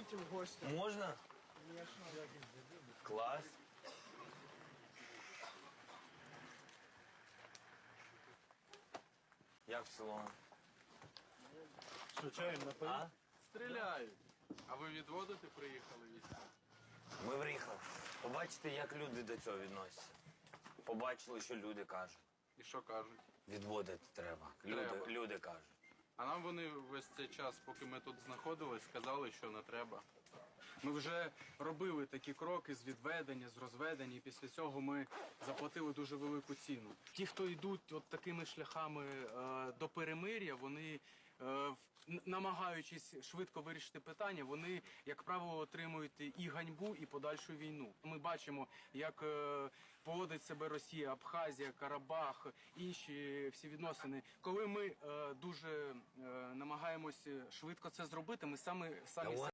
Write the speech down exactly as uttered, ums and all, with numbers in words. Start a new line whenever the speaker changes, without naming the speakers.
Приходите в гости.
Можна?
Конечно.
Клас. Як в село?
Що, чаєм напоїв?
А?
Стріляють. А ви відводити приїхали війська?
Ми виїхали. Побачите, як люди до цього відносяться. Побачили, що люди кажуть.
І що кажуть?
Відводити треба. Люди,
Треба.
люди кажуть.
А нам вони весь цей час, поки ми тут знаходились, сказали, що не треба. Ми вже робили такі кроки з відведення, з розведення, і після цього ми заплатили дуже велику ціну. Ті, хто йдуть от такими шляхами е, до перемир'я, вони, е, в- н- намагаючись швидко вирішити питання, вони, як правило, отримують і ганьбу, і подальшу війну. Ми бачимо, як е, поводить себе Росія, Абхазія, Карабах, інші всі відносини. Коли ми е, дуже е, намагаємося швидко це зробити, ми саме самі.